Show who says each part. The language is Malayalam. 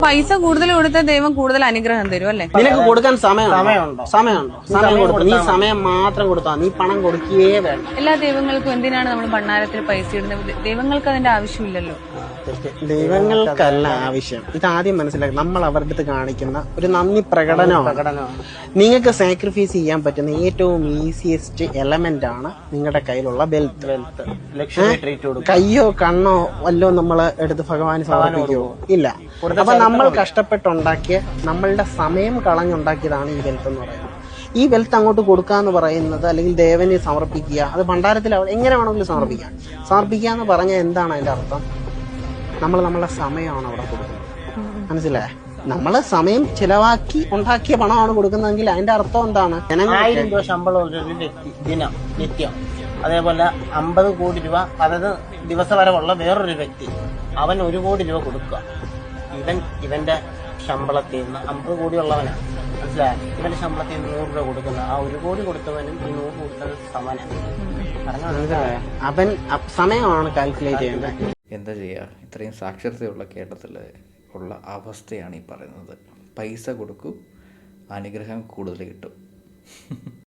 Speaker 1: പൈസ കൂടുതൽ കൊടുത്താൽ ദൈവം കൂടുതൽ അനുഗ്രഹം തരും അല്ലേ?
Speaker 2: നിനക്ക് കൊടുക്കാൻ സമയമുണ്ടോ? സമയം കൊടുക്കും. നീ സമയം മാത്രം കൊടുത്താൽ നീ പണം കൊടുക്കുകയേ വേണ്ട.
Speaker 1: എല്ലാ ദൈവങ്ങൾക്കും എന്തിനാണ് നമ്മൾ ഭണ്ണാരത്തിൽ പൈസ ഇടുന്നത്? ദൈവങ്ങൾക്ക് അതിന്റെ ആവശ്യമില്ലല്ലോ.
Speaker 2: ദൈവങ്ങൾക്കല്ല ആവശ്യം. ഇതാദ്യം മനസ്സിലാക്കി നമ്മൾ അവരുടെ അടുത്ത് കാണിക്കുന്ന ഒരു നന്ദി പ്രകടനമാണ്. നിങ്ങൾക്ക് സാക്രിഫൈസ് ചെയ്യാൻ പറ്റുന്ന ഏറ്റവും ഈസിയസ്റ്റ് എലമെന്റ് ആണ് നിങ്ങളുടെ കയ്യിലുള്ള വെൽത്ത്. കയ്യോ കണ്ണോ വല്ലോ നമ്മൾ എടുത്ത് ഭഗവാന് സമർപ്പിക്കുമോ? ഇല്ല. അപ്പൊ നമ്മൾ കഷ്ടപ്പെട്ടുണ്ടാക്കിയ നമ്മളുടെ സമയം കളഞ്ഞുണ്ടാക്കിയതാണ് ഈ വെൽത്ത് എന്ന് പറയുന്നത്. ഈ വെൽത്ത് അങ്ങോട്ട് കൊടുക്കാന്ന് പറയുന്നത്, അല്ലെങ്കിൽ ദേവന് സമർപ്പിക്കുക, അത് ഭണ്ഡാരത്തിൽ എങ്ങനെ വേണമെങ്കിലും സമർപ്പിക്കുക എന്ന് പറഞ്ഞാൽ എന്താണ് അതിന്റെ അർത്ഥം? നമ്മൾ നമ്മളുടെ സമയമാണ് അവിടെ കൊടുക്കുന്നത്. മനസ്സിലായേ? നമ്മള് സമയം ചിലവാക്കി ഉണ്ടാക്കിയ പണമാണ് കൊടുക്കുന്നതെങ്കിൽ അതിന്റെ അർത്ഥം എന്താണ്?
Speaker 3: 1000 രൂപ ശമ്പളം ഒരു വ്യക്തി ദിനം നിത്യം, അതേപോലെ 50 കോടി രൂപ അതായത് ദിവസവരവുള്ള വേറൊരു വ്യക്തി, അവൻ 1 കോടി രൂപ കൊടുക്കുക. ഇവന്റെ ശമ്പളത്തിൽ നിന്ന് 50 കോടി ഉള്ളവനാണ്, മനസ്സിലായ? ഇവന്റെ ശമ്പളത്തിൽ 100 രൂപ കൊടുക്കുന്ന ആ 1 കോടി കൊടുത്തവനും ഈ 100 കൊടുത്തത് സമനാണ്.
Speaker 2: അവൻ സമയമാണ് കാൽക്കുലേറ്റ് ചെയ്യുന്നത്.
Speaker 4: എന്താ ചെയ്യുക? ഇത്രയും സാക്ഷരതയുള്ള കേരളത്തിൽ ഉള്ള അവസ്ഥയാണ് ഈ പറയുന്നത്. പൈസ കൊടുക്കൂ, അനുഗ്രഹം കൂടുതൽ കിട്ടും.